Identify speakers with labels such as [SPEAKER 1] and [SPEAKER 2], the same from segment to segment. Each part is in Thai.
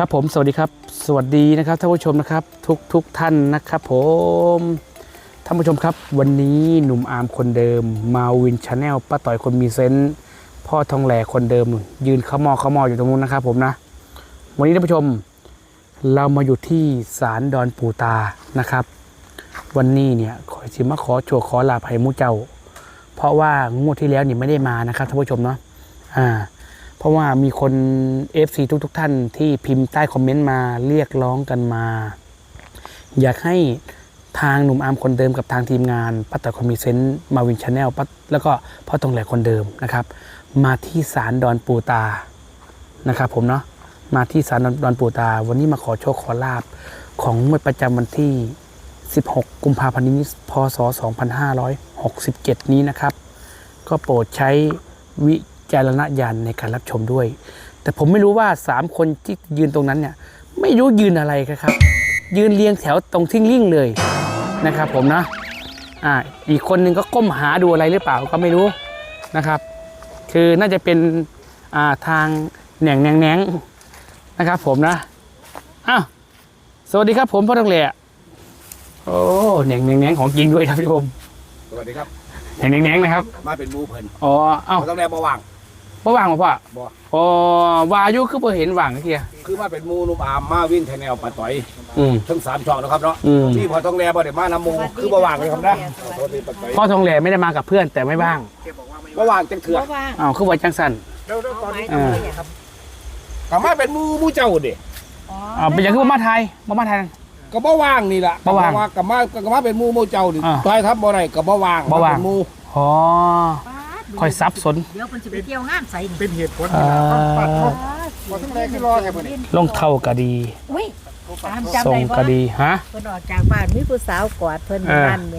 [SPEAKER 1] ครับผมสวัสดีครับสวัสดีนะครับท่านผู้ชมนะครับทุกท่านนะครับผมท่านผู้ชมครับวันนี้หนุ่มอาร์มคนเดิมมาวินชาแนลป้าต่อยคนมีเซนส์พ่อทองแหล่คนเดิมยืนเขามออยู่ตรงนู้นนะครับผมนะวันนี้ท่านผู้ชมเรามาอยู่ที่ศาลดอนปู่ตานะครับวันนี้เนี่ยขอชิมาขอโชว์ขอลาภัยมุเจ้าเพราะว่างวดที่แล้วนี่ไม่ได้มานะครับท่านผู้ชมเนาะเพราะว่ามีคน FC ทุกท่านที่พิมพ์ใต้คอมเมนต์มาเรียกร้องกันมาอยากให้ทางหนุ่มอาร์มคนเดิมกับทางทีมงานป้าต่อยคนมีเซนส์มาวินชาแนลแล้วก็พ่อทองแหล่คนเดิมนะครับมาที่ศาลดอนปู่ตานะครับผมเนาะมาที่ศาลดอนปู่ตาวันนี้มาขอโชคขอลาบของงวดประจำวันที่16กุมภาพันธ์นี้พศ2567นี้นะครับก็โปรดใช้วิจารณญาณในการรับชมด้วยแต่ผมไม่รู้ว่า3คนที่ยืนตรงนั้นเนี่ยไม่รู้ยืนอะไรครับยืนเรียงแถวตรงทิ้งลิ่งเลยนะครับผมนะอีกคนนึงก็ก้มหาดูอะไรหรือเปล่าก็ไม่รู้นะครับคือน่าจะเป็นทางแหน่งนะครับผมนะสวัสดีครับผมพ่อทองแหล่โอ้แหน่งของจริงด้วยครับพี่ผม
[SPEAKER 2] สวัสดีครับ
[SPEAKER 1] แหน่งนะครับ
[SPEAKER 2] มาเป็นมูเพิ่นต้องแลบ่ว่าง
[SPEAKER 1] บ่ว่างบ่พ่ออ๋อวายุคือบ่เห็นว่างเทีย
[SPEAKER 2] คือมาเป็นมูนุ่มอามมาวินชาแนลป้าต่อยทั้ง3ช่องนะครับเนาะที่พอต้องแลบ่ได้มานำมูคือบ่ว่างเลยครับนะ
[SPEAKER 1] พ่อทองแหล่ไม่ได้มากับเพื่อนแต่ไม่ว่าง
[SPEAKER 2] บ่ว่างจังเถื่อ
[SPEAKER 1] คือว่าจังสั่น
[SPEAKER 2] ก็มาเป็นมูเจ้าดิ
[SPEAKER 1] เป็นอย่างคือบ่มาไทย
[SPEAKER 2] ก็บ่ว่างนี่ล่ะ
[SPEAKER 1] บ่ว่าง
[SPEAKER 2] ก็มาเป็นมูเจ้าดิต่อยทับบ่ได้ก็บ่ว่าง
[SPEAKER 1] เป็น
[SPEAKER 2] มู
[SPEAKER 1] คอยซับสน
[SPEAKER 3] เดี๋ยวคนจะไปเที่ยวงานใส่
[SPEAKER 2] เป็นเหตุผลพอต้องแลที่รอแค่บ่นี่
[SPEAKER 1] ลงเท่าก็ดีส่งก็ดีฮะ
[SPEAKER 3] เพิ่นออกจากบ้านมีผู้สาวกอดเพิ่นนั่นแหม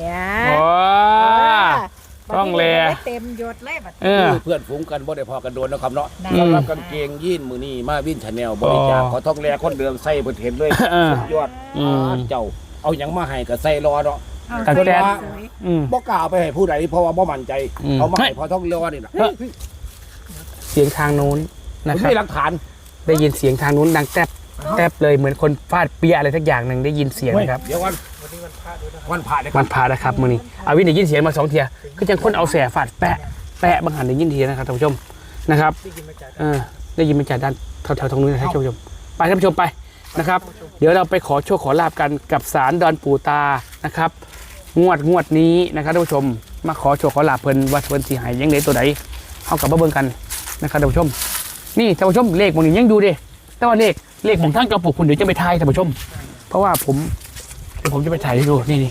[SPEAKER 1] ต้องแล
[SPEAKER 3] เต็มยศเลยบัด
[SPEAKER 2] เพื่อนฝูงกันบ่ได้พอกันโดนนะครับเนาะสำหรับกางเกงยีนมื้อนี้มาวินชาแนลบริจาคขอต้องแลคนเดิมใส่เพิ่นเห็นเลยสุดยอดเจ้าเอาหยังมาให้ก็ใส่รอเนาะ
[SPEAKER 1] ตั้งแต่
[SPEAKER 2] บ่กล้าไปให้ผู้ใดเพราะว่าบ่มั่นใจเอามาให้พอต้องรอนี่น่ะ
[SPEAKER 1] เสียงทางนู้นนะครับ
[SPEAKER 2] มีหลักฐาน
[SPEAKER 1] ได้ยินเสียงทางนู้นดังแทบเลยเหมือนคนฟาดเปียอะไรสักอย่างนึงได้ยินเสียงนะครับ
[SPEAKER 2] เดี๋ยววันพระ
[SPEAKER 1] นะครับมื้อนี้วินได้ยินเสียงมา2เทียก็จังคนเอาแสฟาดแปะบางหันได้ยินทีนะครับท่านผู้ชมนะครับได้ยินมาจากด้านแถวๆตรงนู้นนะครับท่านผู้ชมไปท่านผู้ชมไปนะครับเดี๋ยวเราไปขอโชคขอลาบกันกับศาลดอนปู่ตานะครับงวดนี้นะครับท่านผู้ชมมาขอโชคขอลาบเพิ่นว่าเพิ่นสิให้ยังไงตัวใดเฮากับมาเบิ่งกันนะครับท่านผู้ชมนี่ท่านผู้ชมเลขบางนี้ยังอยู่ดิแต่ว่าเลขของท่านกระปุกคุณเดี๋ยวจะไปทายท่านผู้ชมเพราะว่าผมจะไปถ่ายให้ดูนี่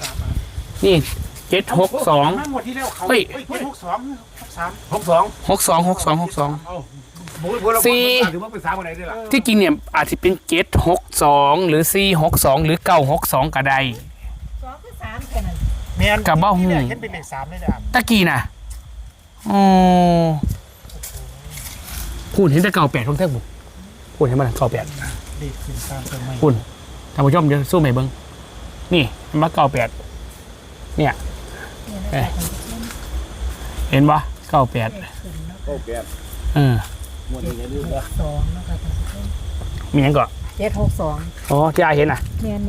[SPEAKER 1] 762เฮ้ย62ที่จริงเนี่ยอาจจะเป็น762หรือ462หรือ962ก็ได้กับบ้าหูเห็นเป็นเลข3ได้จ้ะตะกี้น่ะคุณเห็นแต่98ทั้งแท่งบุคุณเห็นมัน98คุณท่านผู้ชมจะสู้ไหมเบิ้งนี่มา98เนี่ยเห็นปะ98มีอย่างก่อน
[SPEAKER 3] 762
[SPEAKER 1] อ๋อที่อาเห็นอ่ะ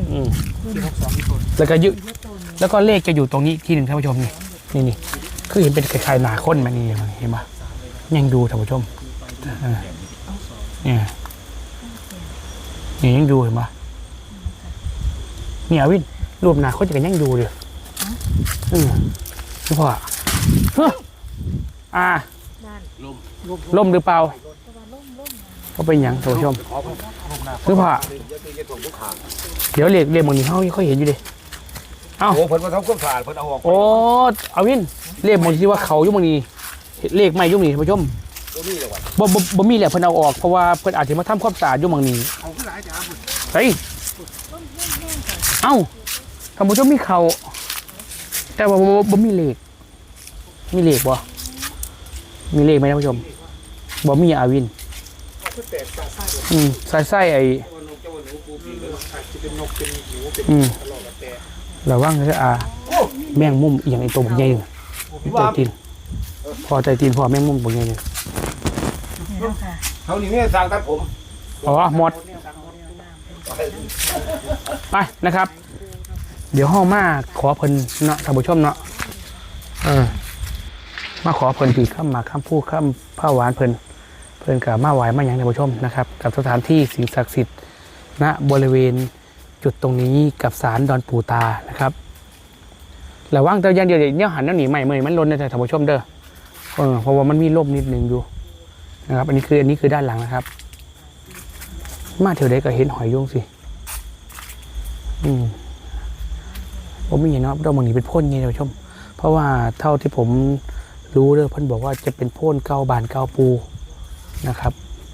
[SPEAKER 1] แล้วก็แล้วก็เลขจะอยู่ตรงนี้ที่หนึ่งท่านผู้ชมนี่คือเห็นเป็นคล้ายๆหนาข้นมันนี่เห็นปะยังดูท่านผู้ชมนี่ยังดูเห็นปะเนี่ยวินรูปหนาข้นจะกันยังดูเลยนี่พ่อล่มหรือเปล่าก็เป็นอย่างท่านผู้ชมหรือพ่อเดี๋ยวเรียกมึงนี่เขาเห็นอยู่ดิ
[SPEAKER 2] โอ้เพิ่นมาทำความสะอาดเพิ่นเอาออก
[SPEAKER 1] โอ้เอาวินเรียกมึงที่ว่าเขายุ่งมึงนี่เลขไม่ยุ่งนี่ท่านผู้ชมบ่มีแหละเพิ่นเอาออกเพราะว่าเพิ่นอาจจะมาทำความสะอาดยุ่งมึงนี่เฮ้ยท่านผู้ชมมีเขาแต่ว่าบ่มีเลขมีเลขบ่มีเลขไหมท่านผู้ชมบ่มีอาวินไส้ไอ้ระวังนะแมงมุมอย่างไอ้ตัวบุกใหญ่ใจตีนพอใจตีนพอแมงมุมบุกใหญ่เลย
[SPEAKER 2] เขานี่ไม่สั่งตัดผม
[SPEAKER 1] หมดไปนะครับ เดี๋ยวห้องมาขอเพิ่นเนาะท่านผู้ชมเนาะมาขอเพิ่นผีข้ามมาข้ามพูดข้ามผ้าหวานเพิ่นกับมาไหวมาอย่างท่านผู้ชมนะครับ กับสถานที่สิ่งศักดิ์สิทธิ์ณบริเวณจุดตรงนี้กับศาลดอนปู่ตานะครับระวังแต่อย่างเดียวเนี่ยหันแล้วหนีใหม่เมยมันล้นในท่านผู้ชมเด้อเพราะว่ามันมีร่มนิดนึงอยู่นะครับอันนี้คือด้านหลังนะครับมาเที่ยวใดก็เห็นหอยยุงสิผมไม่เห็นนะดอกมังนีเป็นพ่นไงท่านผู้ชมเพราะว่าเท่าที่ผมรู้เด้อเพิ่นบอกว่าจะเป็นพ่นเก้าบานเก้าปูนะครับ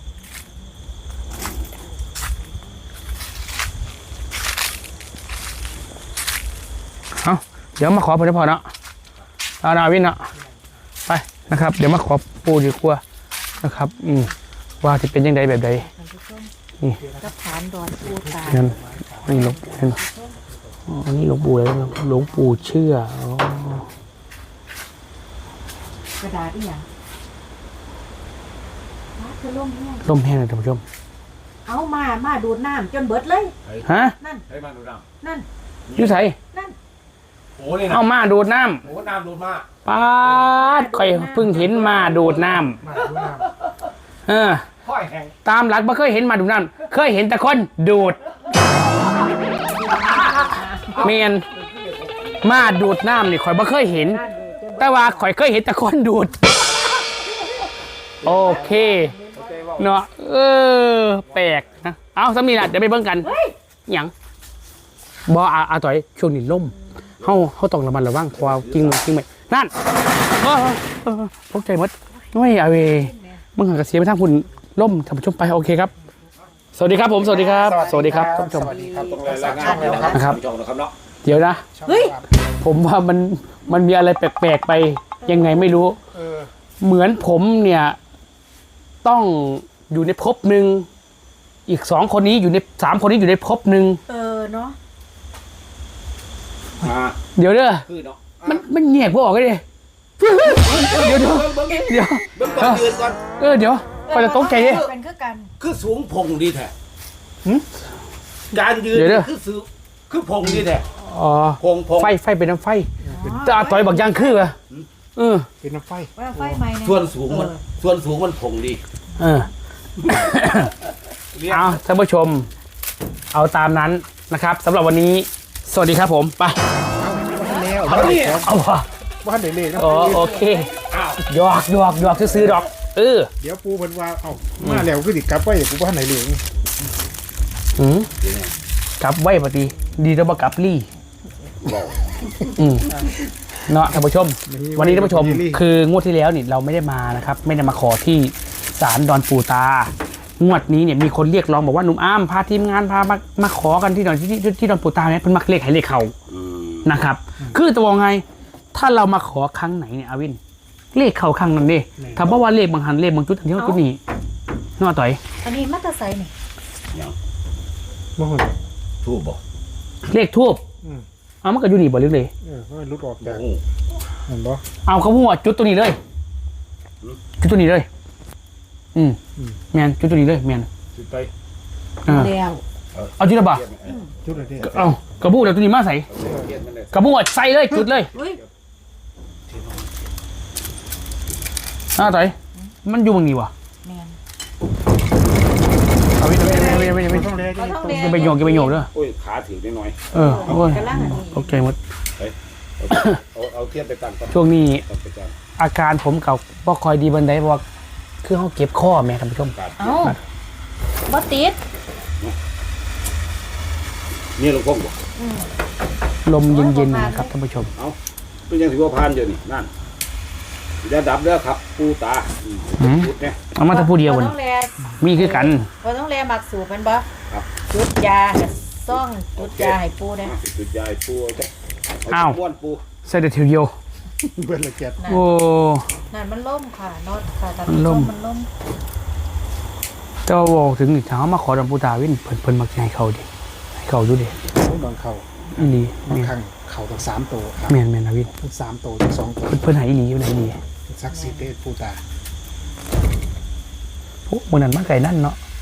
[SPEAKER 1] เอาเดี๋ยวมาขอเพิ่นพอเนาะเอานาวินเนาะไปนะครับ เดี๋ยวมาขอปูดีกว่านะครับว่าจะเป็นยังไงแบบใดนี่
[SPEAKER 3] กับฐานดอนปูตา
[SPEAKER 1] นั่นนี่หลวงอันนี้หลวงปู่อะไรนะหลวงปู่เชื่อก
[SPEAKER 3] ระดาษอีหยังคือล่มแห้ง
[SPEAKER 1] ร่มแห้งเลยท่านผู้ชม
[SPEAKER 3] เอามาดูดน้ำจนเบิดเลย
[SPEAKER 1] ฮะ
[SPEAKER 3] นั่น
[SPEAKER 2] ให้มาดูน้
[SPEAKER 3] นั่น
[SPEAKER 1] อยู่ไส
[SPEAKER 3] นั่น
[SPEAKER 2] ำโอ้นี่นะ
[SPEAKER 1] เอามาดูดน้
[SPEAKER 2] โอ้น้ำดูดมา
[SPEAKER 1] ำป๊าดข่อยเพิ่งเห็นมาดูดน้ำ
[SPEAKER 2] ค่อยแห้ง
[SPEAKER 1] ตามหลักไม่เคยเห็นมาดูดน้ำเคยเห็นแต่คนดูดเมียนมาดูดน้ำนี่ข่อยไม่เคยเห็น
[SPEAKER 3] นั่นเลยจน
[SPEAKER 1] แต่ว่าข่อยเคยเห็นแต่คนดูดโอเคเนาะแปลกนะเอาสามีละเดี๋ยวไปเบิ่งกัน
[SPEAKER 3] เฮ้ย
[SPEAKER 1] หยังบออาต่อยช่วงนี้ล่มเขาต้องระมัดระวังเพราะว่ากิ้งไปนั่นตกใจหมดน้อยเอาเวมึงหันกระเสียไปทางคุณล่มท่านผู้ชมไปโอเคครับ สวัสดีครับผมสวัสดีครับสวัสดีครับท่านผู้ชม
[SPEAKER 2] สวัสดีครับต้องรายงานเลยนะครับ
[SPEAKER 1] นะครับ
[SPEAKER 2] ผู้ชมนะครับเนาะ
[SPEAKER 1] เดี๋ยวนะ
[SPEAKER 3] เฮ้ย
[SPEAKER 1] ผมว่ามันมีอะไรแปลกๆไปยังไงไม่รู้เหมือนผมเนี่ยต้องอยู่ในภพหนึ่งอีก2 คนนี้อยู่ใน3 คนนี้อยู่ในภพหนึ่ง
[SPEAKER 3] เนาะ
[SPEAKER 1] เดี๋ยวเด้อ
[SPEAKER 2] คือเนาะ
[SPEAKER 1] มันแยกพวกออกเลยเดี๋ยว
[SPEAKER 2] เบิ่ง
[SPEAKER 1] เดี๋ยว
[SPEAKER 2] ก่อนยืนก่อน
[SPEAKER 1] เดี๋ยวพอจะตกใจดิ
[SPEAKER 3] เป็นคือกัน
[SPEAKER 2] คือสูงพงดีแท้
[SPEAKER 1] หึ
[SPEAKER 2] การยืน
[SPEAKER 1] เดี๋ยว
[SPEAKER 2] คือสูงคือพงดีแท้
[SPEAKER 1] อ๋อ
[SPEAKER 2] พง
[SPEAKER 1] ไฟเป็นน้ำไฟจะต่อยบักยางคือเหรออ
[SPEAKER 4] เป็นน้ำไฟ
[SPEAKER 3] ว่าไฟไหม้เนี่ย
[SPEAKER 2] ส่วนสูงมันพงดี
[SPEAKER 1] เอาท่านผู้ชม เอาตามนั้นนะครับสำหรับวันนี้ สวัสดีครับผมไป
[SPEAKER 4] แล้ว
[SPEAKER 2] เอาเนี่ย
[SPEAKER 1] เอาวะ
[SPEAKER 4] บ้านเด็กๆนะ
[SPEAKER 1] โอเคหยอกซื้อดอก
[SPEAKER 4] เดี๋ยวปูเพิ่นว่าเอ้ามาแล้วคือสิกลับไปกูบ้านไหนเหลือง
[SPEAKER 1] กลับไว้ปฏิดีแล้วมากลับลี่เนาะท่านผู้ชม วันนี้ท่านผู้ชมคืองวดที่แล้วนี่เราไม่ได้มานะครับ ไม่ได้มาขอที่ศาลดอนปู่ตางวดนี้เนี่ยมีคนเรียกร้องบอกว่าหนุ่มอ้ามพาทีมงานพามาขอกันที่ดอนที่ดอนปู่ตาเนี่ยเป็นมักเลขให้เลขเขานะครับ คือตัวไงถ้าเรามาขอครั้งไหนเนี่ยอาวินเลขเขาครั้งนั้นดิถ้าบอกว่าเลขบางหันเลขบางจุดอันที่ว่าจุดนี้นอต่อย
[SPEAKER 3] อันนี้มัตตไซนี่
[SPEAKER 4] บ่ฮู้
[SPEAKER 2] ทูบบอก
[SPEAKER 1] เลขทูบเอามันก็อยู่นี่บ่ลึกเลย
[SPEAKER 4] มันรุดออกจาก
[SPEAKER 2] โอ้
[SPEAKER 4] เห็นบ่
[SPEAKER 1] เอาเขาพูดว่าจุดตัวนี้เลยจุดตัวนี้เลยแมนจุดตัวนี้เลยแมน
[SPEAKER 2] จุดไป
[SPEAKER 3] แล้ว
[SPEAKER 1] เอาจุดละบ่
[SPEAKER 4] จุดอะไรเนี่ย
[SPEAKER 1] เอากระบู้แล้วตัวนี้มาใส่
[SPEAKER 2] เทียนมันเลย
[SPEAKER 1] กระบู้ใส่เลยจุดเลย
[SPEAKER 3] เฮ้ย
[SPEAKER 1] ต่อยมันอยู่ตรงนี้วะ
[SPEAKER 3] แมน
[SPEAKER 1] เอาไป
[SPEAKER 4] ต้องเลย
[SPEAKER 3] เขาต้องเรียน
[SPEAKER 1] อย่าไปโยกเด้อ
[SPEAKER 2] โอ้ยขาถือนิดหน่อย
[SPEAKER 1] โอ้ย
[SPEAKER 3] กำลังอันนี้
[SPEAKER 1] โอเคหมด
[SPEAKER 2] เอาเทียนไปตั้งก่อน
[SPEAKER 1] ช่วงนี้
[SPEAKER 2] ตั้งไปตั้ง
[SPEAKER 1] อาการผมกับบ่คอยดีบันไดบอกคือเขาเก็บข้อแม่ท่านผู้ชม
[SPEAKER 2] การ
[SPEAKER 3] เอ้าบ่ติด
[SPEAKER 2] นี่หลวงพ่อบอก
[SPEAKER 1] ลมเย็นๆนะครับท่านผู้ชม
[SPEAKER 2] เป็นยังถือว่าพานอยู่นี่นั่นอย่าดับเด้อครับปูตาจุดเนี่ย
[SPEAKER 1] เอามาแต่ผู้เดียว
[SPEAKER 3] บ่
[SPEAKER 1] มัน
[SPEAKER 3] ต้องแล
[SPEAKER 1] มีคือกัน
[SPEAKER 3] บ่ต้องแลมักสูบมันบ่
[SPEAKER 2] ครับ
[SPEAKER 3] จุดยาซ่องจุดยาให้ปูนะ
[SPEAKER 2] จุดยายปูจ้ะ
[SPEAKER 1] อ้าว
[SPEAKER 2] ม้วนปู
[SPEAKER 1] ใส่แต่เทียวเดียว
[SPEAKER 4] เบิ่นละเกียด
[SPEAKER 3] นั่น
[SPEAKER 1] โอ้
[SPEAKER 3] นั่นมันล่มค่ะน็อตค่ะแต่
[SPEAKER 1] มันล่ม
[SPEAKER 3] มันล่ม
[SPEAKER 1] เจ้าบอกถึงนี่ถามมาขอดำปูตาวินเพิ่นมักให้เขาดิให้เขาดูดิ
[SPEAKER 4] บางเข่า
[SPEAKER 1] อีหลี
[SPEAKER 4] บางครั้งเข่าต้อง3ตัวครับ
[SPEAKER 1] แม่นนะวิน
[SPEAKER 4] ทั้ง3ตัวทั้ง2ตัว
[SPEAKER 1] เพิ่นให้อีหลีอยู่ไหนอีหลี
[SPEAKER 4] ศักดิ์สิทธิ์เด้ปูตา
[SPEAKER 1] พวกมื้อนั้นมาไก่นั่นเนาะ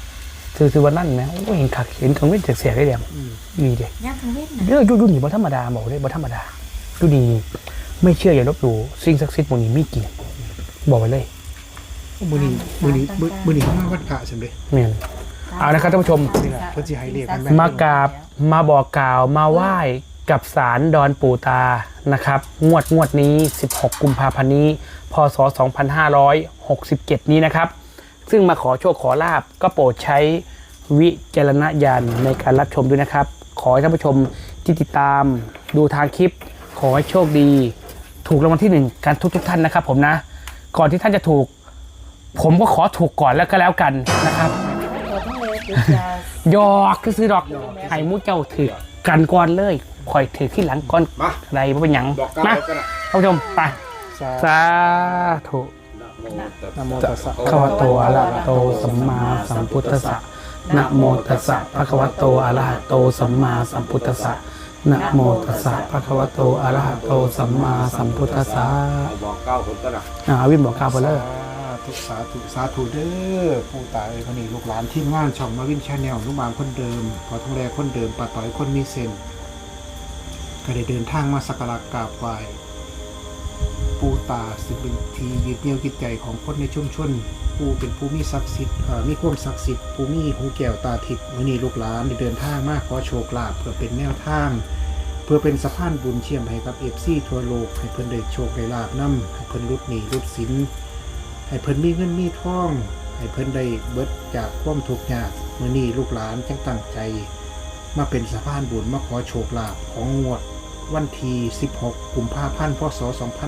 [SPEAKER 1] คือวันนั้นนะโอ้เห็นขักเห็นกังเว้นเสียได้เดียวนี่เด็
[SPEAKER 3] ย่างทางเว้น
[SPEAKER 1] เรื่องยุ่นี่บ่ธรรมดาบอกเลยบ่ธรรมดาดูนี่ไม่เชื่ออย่าลบหลู่สิ่งศักดิ์สิทธิ์พวกนี้มีจริงบอกไว้เลย
[SPEAKER 4] มือนี้มาวัดพระสำเร็จ
[SPEAKER 1] แม่นเอานะครับท่านผู้ชม
[SPEAKER 4] นี่แหละเพิ่นสิให้เลขกัน
[SPEAKER 1] มากราบมาบอกกล่าวมาไหว้กับศาลดอนปู่ตานะครับงวดนี้16กุมภาพันธ์นี้พศ2567นี้นะครับซึ่งมาขอโชคขอลาบก็โปรดใช้วิจารณญาณในการรับชมด้วยนะครับขอให้ท่านผู้ชมที่ติดตามดูทางคลิปขอให้โชคดีถูกรางวัลที่1กันทุกท่านนะครับผมนะก่อนที่ท่านจะถูกผมก็ขอถูกก่อนแล้วก็แล้วกันนะครับ
[SPEAKER 3] ตัวทั้งเลยจุดยา
[SPEAKER 1] หยอกคือซื้อดอกไห้มูเจ้าถือกันก่อนเลยคอยถือที่หลังก่อน
[SPEAKER 2] มา
[SPEAKER 1] อะไรบ่เป็นหยัง
[SPEAKER 2] บอกกล่าว
[SPEAKER 1] นะ
[SPEAKER 2] กันนะ
[SPEAKER 1] ท่านผู้ชมไปสาธุ
[SPEAKER 4] นะโมตัสสะ
[SPEAKER 1] ขวะโตอะระหะโตสัมมาสัมพุทธัสสะนะโมตัสสะภะคะวะโตอะระหะโตสัมมาสัมพุทธัสสะนะโมตัสสะภะคะวะโตอะระหะโตสัมมาสัมพุทธัสสะ
[SPEAKER 2] เอาบอกกล่าวคนกันนะ
[SPEAKER 1] วินบอกกล่าวไปเลย
[SPEAKER 4] สาธุเด้อผู้ตายคนนี้ลูกหลานทีมงานช่องมาวินชาแนลลูกบางคนเดิมขอทองแรคนเดิมป้าต่อยคนมีเซนก็ได้เดินทางมาสักการะกราบไหว้ปู่ตาซึ่งเป็นที่ยึดเหนี่ยวจิตใจของคนในชุมชนผู้เป็นผู้มีศักดิ์สิทธิ์มีความศักดิ์สิทธิ์ผู้มีหูแก้วตาทิพย์วันนี้ลูกหลานได้เดินทางมาขอโชคลาภเพื่อเป็นแนวทาง เพื่อเป็นสะพานบุญเชื่อมให้กับFCทั่วโลกให้เพิ่นได้โชคได้ลาภนำให้เพิ่นลดหนี้ลดสินให้เพิ่นมีเงินมีทองให้เพิ่นได้เบิดจากความทุกข์ยากมื้อนี้ลูกหลานจังตั้งใจ มาเป็นสะพานบุญมาขอโชคลาภของงวดวันที่16กุมภาพันธ์พศ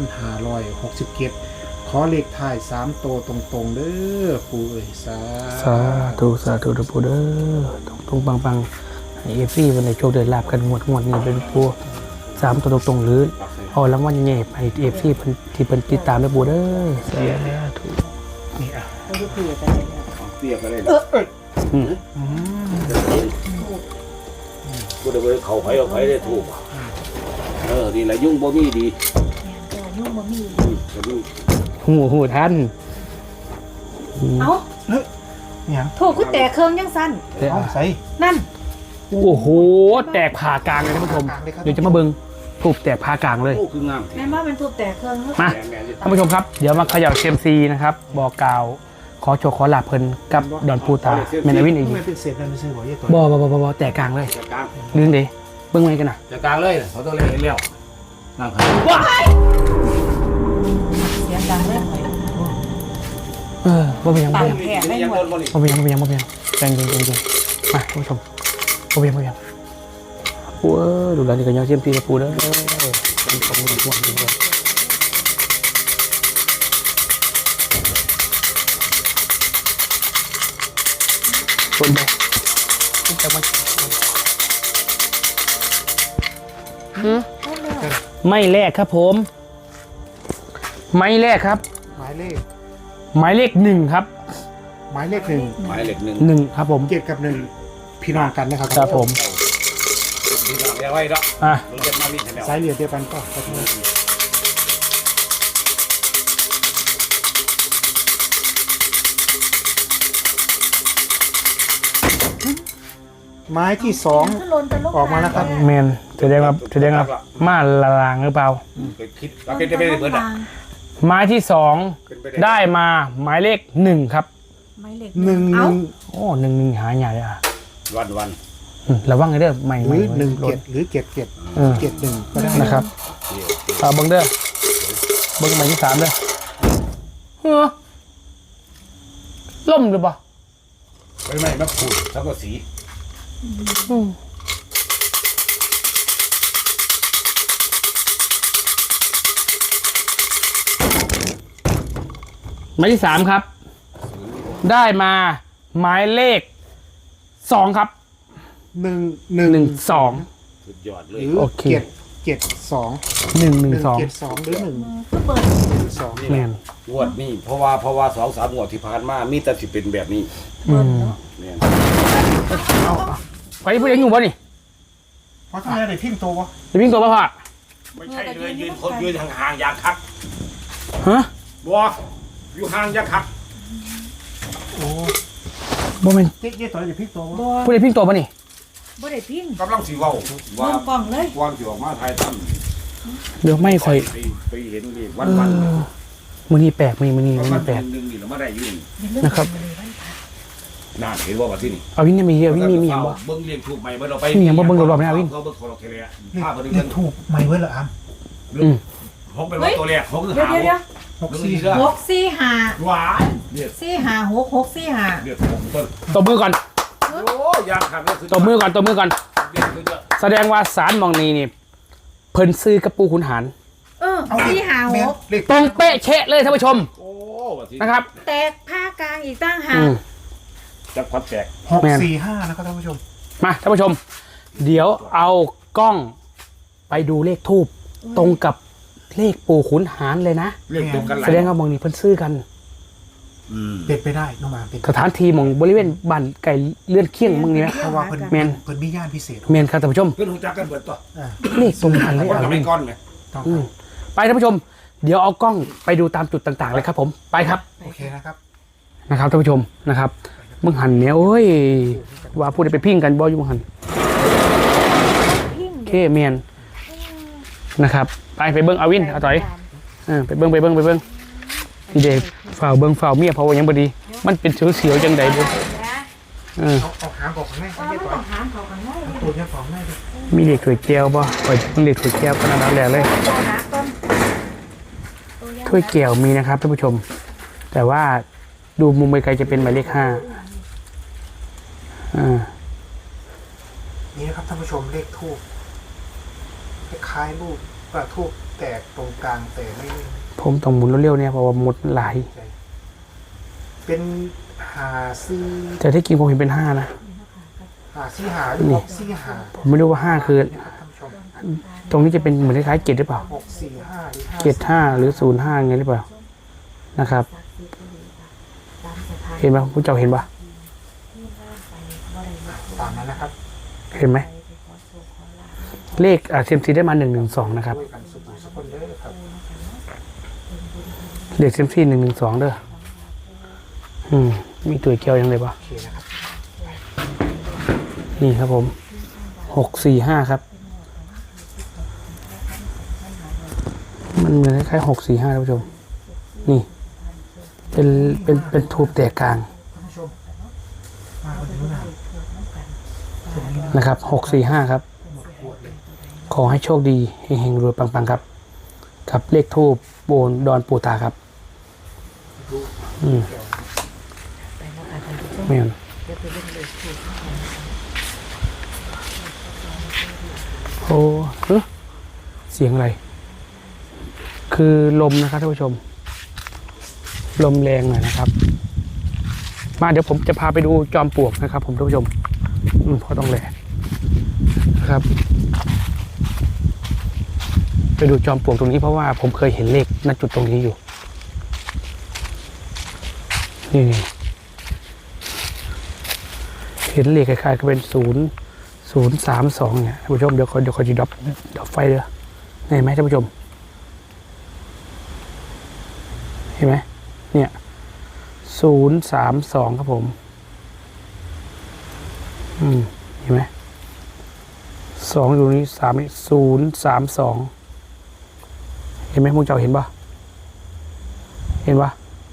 [SPEAKER 4] 2567ขอเลขท้าย3โตวตรงๆเด้อปู่เอ้ยสา
[SPEAKER 1] สาธุสาธุเด้อปู่เด้อตรงปังให้เอฟซีวันไหนโชคเดินลาบกันงวดนี้เป็นปู่3ตัวตรงๆหรือเอารางวัลใหญ่ๆให้เอฟซีที่เพิ่นติดตามเด้อปู่เด้อสาธุ
[SPEAKER 4] นี่อ่ะ
[SPEAKER 3] ตัวที่คุยกันเลย
[SPEAKER 2] เปียกกันเลย
[SPEAKER 1] อืม
[SPEAKER 2] กูได้ไปเขาไผเอาไผได้ถูกนี่แหละยุ่งบ่มีดี
[SPEAKER 3] ตัวนุ่มบะหมี่
[SPEAKER 2] จะดู
[SPEAKER 1] หูท่าน
[SPEAKER 3] เอ้า
[SPEAKER 4] เนี่ย
[SPEAKER 3] ถูกคือแต่เครื่องยังสั้น
[SPEAKER 4] เอาใส่
[SPEAKER 3] นั่น
[SPEAKER 1] โอ้โหแตกผ่ากลางเลยท่านผู้ชมเดี๋ยวจะมาเบิ่งถูกแตกผ่ากลางเลย
[SPEAKER 2] โอ้คืองาม
[SPEAKER 3] แม่ว่าเป็นถูกแต่เครื่อง
[SPEAKER 1] มาท่านผู้ชมครับเดี๋ยวมาเขย่าเซียมซีนะครับบอกกล่าวขอโชว์ขอลาบเพิ่นกับดอนปูตาแมนวินอีก
[SPEAKER 4] ทำไมเป็นเศษนั่นไม่ใช่บ่ยี่ตัว
[SPEAKER 1] บ่แตกกลางเลย
[SPEAKER 2] จะกลาง
[SPEAKER 1] ดึงดิเบิ่งไว้กันนะ
[SPEAKER 2] จะกลางเลยเขาต้องเล่นเลี้ยวนั่งครับ
[SPEAKER 3] เสียงดังเลย
[SPEAKER 1] บ่เป็นหยัง
[SPEAKER 3] ปั
[SPEAKER 1] บ่
[SPEAKER 3] ง
[SPEAKER 1] เป็นหยัง
[SPEAKER 3] แผ่ไม่หมด
[SPEAKER 1] บ่เป็นหยังบ่เป็นหยังบ่เป็นหยังใจเย็นมาท่านผู้ชมบ่เป็นหยังบ่เป็นหยังโอ้ดูแลนี่ก็ยังเซียมซีกับปูเด้อเป็นของหวงจริงๆคนบ่แต่ว่าไม่แรกครับผมไม่แรกครับ
[SPEAKER 4] หมายเลข
[SPEAKER 1] หมายเลข1ครับ
[SPEAKER 4] หมายเลขหนึ่ง
[SPEAKER 2] หมายเลข1
[SPEAKER 1] 1ครับผม
[SPEAKER 4] เจ็ดกับหนึ่งพี่น้องกันนะครับ
[SPEAKER 1] ครับผม
[SPEAKER 2] ที่เราเรียกไว้ดอก
[SPEAKER 1] อ่ะ
[SPEAKER 2] มึงจะมาวิ่งแถว
[SPEAKER 4] สายเหลือเดียวกันก็ขอโทษไม้ที่สองออกมาแล้วครับ
[SPEAKER 1] เมนแสดงว่ามาละลางหรือเปล่า
[SPEAKER 2] คิดว่าเป็นไปได้เบิดอ่ะ
[SPEAKER 1] ไม้ที่สอง
[SPEAKER 2] เป็นไป
[SPEAKER 1] ได้มาหมายเลข1ครับ
[SPEAKER 3] ไม่เหล็ก
[SPEAKER 4] หนึ่งห
[SPEAKER 3] เอ้า
[SPEAKER 4] นึ่ง
[SPEAKER 1] โอ้1หาใหญ่เลยอ่ะ
[SPEAKER 2] วัน
[SPEAKER 1] ระวังไอ้เด้อไม่
[SPEAKER 4] หรือหนึ่ง
[SPEAKER 1] ร
[SPEAKER 4] เจ็
[SPEAKER 1] ถ
[SPEAKER 4] ดหรือเจ็ดเจ็ด
[SPEAKER 1] เออ
[SPEAKER 4] เจ็ดหนึ่งก็ได้
[SPEAKER 1] นะครับเอาเบิ้งเด้อเบิ้งหมายที่3เด้อเฮ้อล่มหรือเปล่า
[SPEAKER 2] ไม่มาขูดแล้วก็สี
[SPEAKER 1] หมายที่3ครับ ได้มาหมายเลข2ครับ
[SPEAKER 4] หนึ่งหนึ่ง
[SPEAKER 1] 12
[SPEAKER 2] สุดยอดเล
[SPEAKER 4] ห
[SPEAKER 2] ย
[SPEAKER 4] รือ
[SPEAKER 1] โอเค
[SPEAKER 4] เจ็ดเจ็ดสอง
[SPEAKER 1] 112
[SPEAKER 4] หนึ่งเจ็ดสองหรือหนึ่ง
[SPEAKER 3] ก็เปิด
[SPEAKER 4] สอง
[SPEAKER 1] แมน
[SPEAKER 2] งวดนี้เพราะว่า2-3งวดที่ผ่านมามีแต่สิเป็นแบบนี้
[SPEAKER 1] อืม
[SPEAKER 2] เนี่ย
[SPEAKER 1] ไปพูดยังอยู่บ่นี่
[SPEAKER 4] เพราะทำไมได้พิมพ์ตัววะ
[SPEAKER 1] จะวิ่งตัวป่ะพ่อ
[SPEAKER 2] ไม่ใช่เลยยืนคนยืนห่างๆอย่างคัก
[SPEAKER 1] ฮะ
[SPEAKER 2] บัวอยู่ห่างอย่างคัก
[SPEAKER 4] โอ้
[SPEAKER 1] บ่แม่น
[SPEAKER 4] เจ๊ต่อยจะพลิกตัว
[SPEAKER 3] บ่
[SPEAKER 1] ผู้ใดพิงตัวบ่นี่
[SPEAKER 3] บ่ได้พิง
[SPEAKER 2] กำลังสิเว้าว่า
[SPEAKER 3] เบิ่งกล้องเลย
[SPEAKER 2] วางสิออกมาไทยตั้ม
[SPEAKER 1] เดี๋ยวไม่ค่อย
[SPEAKER 2] ไปเห็นเลขวัน
[SPEAKER 1] มื้อนี้แปลกมื้อนี้
[SPEAKER 2] วั
[SPEAKER 1] มื้
[SPEAKER 2] น
[SPEAKER 1] อ
[SPEAKER 2] วั
[SPEAKER 1] นี้
[SPEAKER 2] น
[SPEAKER 1] แปลก
[SPEAKER 2] นึงนี่เราไม่ได้อยู่นี่
[SPEAKER 1] นะครับ
[SPEAKER 2] น่าเห็นว่าว่าที่นี่
[SPEAKER 1] เอาวินเนี่ยมีเอาวินมีหยังบ่
[SPEAKER 2] เบิ่งเรียงถูกใหม่เบิ่งเราไป
[SPEAKER 1] มีหยังบ่เบิ่งรอบๆไหมเอาวิน
[SPEAKER 2] เขาเบิ่งของเราแค่นี้ภาพมัน
[SPEAKER 4] เล
[SPEAKER 2] เบิ่
[SPEAKER 4] ข
[SPEAKER 2] ง
[SPEAKER 4] ถูกใหม่เว้ยเหรออาม
[SPEAKER 1] อืม
[SPEAKER 2] หกเป็นว่าตัวแรกหกคือ
[SPEAKER 3] เดี๋ยว
[SPEAKER 2] หา
[SPEAKER 3] เดี๋ยว
[SPEAKER 2] หวานเนี่ย
[SPEAKER 3] 645
[SPEAKER 2] เรียกผมต้น
[SPEAKER 1] ตบมือก่อน
[SPEAKER 2] โอ้ยางขัดเลยคือ
[SPEAKER 1] ตบมือก่อนตบมือก่อน
[SPEAKER 2] เรียกคือจะ
[SPEAKER 1] แสดงว่าสารหมองนี้นี่เพิ่นซื้อกับปูขุนหาร
[SPEAKER 4] แม่เลข
[SPEAKER 1] ตรงเป๊ะเชะเลยท่านผู้ชม
[SPEAKER 2] โอ้ว่าที่
[SPEAKER 1] นะครับ
[SPEAKER 3] แตกผ้ากลางอีกตั้งหา
[SPEAKER 1] อื
[SPEAKER 3] ก
[SPEAKER 1] ม
[SPEAKER 2] จับควัดแตก
[SPEAKER 4] 645นะครับท่านผู้ชม
[SPEAKER 1] มาท่านผู้ชม เดี๋ยวเอากล้องไปดูเลขทูบตรงกับเลขปู่ขุนหารเลยนะ
[SPEAKER 2] เรียกตรงกันหลาย
[SPEAKER 1] แสดงว่าหมองนี้เพิ่นซื้อกัน
[SPEAKER 4] เป็นไปได้น้องมาเป็น
[SPEAKER 1] สถานที่หมองบริเวณบ้านไก่เลื่อนเคียงมึงนี่นะ
[SPEAKER 4] เพราะว่าเพิ่น
[SPEAKER 1] แมน
[SPEAKER 4] เพิ่นมีญาณพิเศษ
[SPEAKER 1] แมนครับท่านผู้ชม
[SPEAKER 2] เพื่อนหูจักกันเบิดตัว
[SPEAKER 1] เลขตรงกันเลย
[SPEAKER 2] คน
[SPEAKER 1] เอา
[SPEAKER 2] ทำ
[SPEAKER 1] วิ
[SPEAKER 2] ให้
[SPEAKER 1] น
[SPEAKER 2] ก้อนไหม
[SPEAKER 4] ต้อง
[SPEAKER 1] อืมไปท่านผู้ชม เดี๋ยวเอากล้องไปดูตามจุดต่างๆเลยครับผมไปครับ
[SPEAKER 4] โอเคนะครับ
[SPEAKER 1] นะครับท่านผู้ชมนะครับมึงหันเนี่ยโอ้ยว่าพูดไปพิ้งกันบ่อยู่มึงหัน
[SPEAKER 3] พิง
[SPEAKER 1] เคเมียนนะครับไปเบิ้งเอาวินเอาต่อยไปเบิ้งนี่เด็กฝ่าวเบิ้งฝ่าวเมียเพราะว่ายังบ่ดี มันเป็นเสียวๆจังใดบ่เออ
[SPEAKER 4] เอาหางออกข้างใน
[SPEAKER 3] ว่า
[SPEAKER 4] ไม่
[SPEAKER 3] มัน
[SPEAKER 4] ต่อ
[SPEAKER 3] ต้อย งหามเขากันได้
[SPEAKER 4] ตัวแค่ของแม่ดิ
[SPEAKER 1] มีเด็กถวยแก้วบ่ข่อยเพิ่งเด็กถวยแก้วก็น่ารักแหละเลย
[SPEAKER 3] ตัวหนักต้น
[SPEAKER 1] ถ้วยแก้วมีนะครับท่านผู้ชม แต่ว่าดูมุมไกลๆจะเป็นหมายเลข5
[SPEAKER 4] นี่นะครับท่านผู้ชมเลขทูบคล้ายรูปกระทูบแตกตรงกลางแต่ไม่
[SPEAKER 1] ผมต้องหมุนเร็วๆเนี่ยเพราะว่าหมดหลาย
[SPEAKER 4] เป็นหาซี่
[SPEAKER 1] แต่ที่จริงผมเห็นเป็น5นะ
[SPEAKER 4] หาซี่หาหรือ645
[SPEAKER 1] ผมไม่รู้ว่า5คือ
[SPEAKER 4] นะครับท่านผู้ชม
[SPEAKER 1] ตรงนี้จะเป็นเหมือนคล้ายๆ7หรือเปล่า
[SPEAKER 4] 645หรือ
[SPEAKER 1] 75หรือ05ไงหรือเปล่านะครับ เห็นไหมผู้เจ้าเห็นปะ
[SPEAKER 4] ตามนั้นนะครับ
[SPEAKER 1] เห็นไหมเลขเซียมซีได้มา112นะครับ
[SPEAKER 4] ด้วยกันสุขุมสกุลเด้อครับ
[SPEAKER 1] เลขเซียมซี112เด้อมีตัวเกี่ยวยังไงปะ
[SPEAKER 4] โอเคนะครับ
[SPEAKER 1] นี่ครับผม645ครับ มันเหมือนคล้ายๆ645ท่านผู้ชมนี่เป็นทูบแตกกลาง
[SPEAKER 4] ท่านผู้ชมมาคนเดียวนะ
[SPEAKER 1] นะครับ645ครับ ขอให้โชคดีเฮงๆรวยปังๆครับกับเลขทูบโบนดอนปูตาครับไม่เอาโอ้เสียงอะไร คือลมนะครับท่านผู้ชม ลมแรงหน่อยนะครับ มาเดี๋ยวผมจะพาไปดูจอมปลวกนะครับ ผมท่านผู้ชมเพราะต้องแหลนะครับ ไปดูจอมปลวกตรงนี้เพราะว่าผมเคยเห็นเลขณจุดตรงนี้อยู่ นี่เห็นเลขคล้ายๆก็เป็น032เนี่ยท่านผู้ชมเดี๋ยวคอยจะดับไฟเลยเห็นไหมท่านผู้ชม เห็นไหมเนี่ย032ครับผมเห็นไหม2อยู่นี้3นี่032เห็นไหมมึงเจ้าเห็นปะเห็นปะ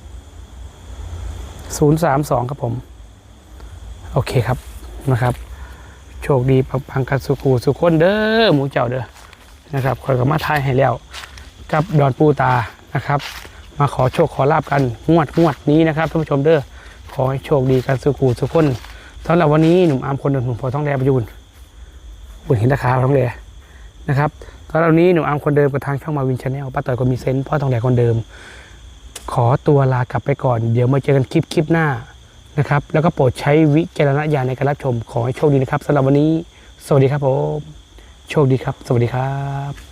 [SPEAKER 1] 032ครับผมโอเคครับนะครับโชคดีปังๆกันสุขคนเด้อหมูเจ้าเด้อนะครับคอยกับมาทายให้แล้วกับดอนปูตานะครับมาขอโชคขอลาบกันงวดนี้นะครับท่านผู้ชมเด้อขอให้โชคดีกันสุขคนสำหรับวันนี้หนุ่มอาร์มคนเดิมหนุ่มพอท้องแดงประยุนบุญเห็นราคาท้องแดงนะครับตอนนี้หนุ่มอาร์มคนเดิมกับทางช่องมาวินชาแนลป้าต่อยคนมีเซนต์พ่อทองแดงคนเดิมขอตัวลากลับไปก่อนเดี๋ยวมาเจอกันคลิปหน้านะครับแล้วก็โปรดใช้วิจารณญาณในการรับชมขอให้โชคดีนะครับสำหรับวันนี้สวัสดีครับผมโชคดีครับสวัสดีครับ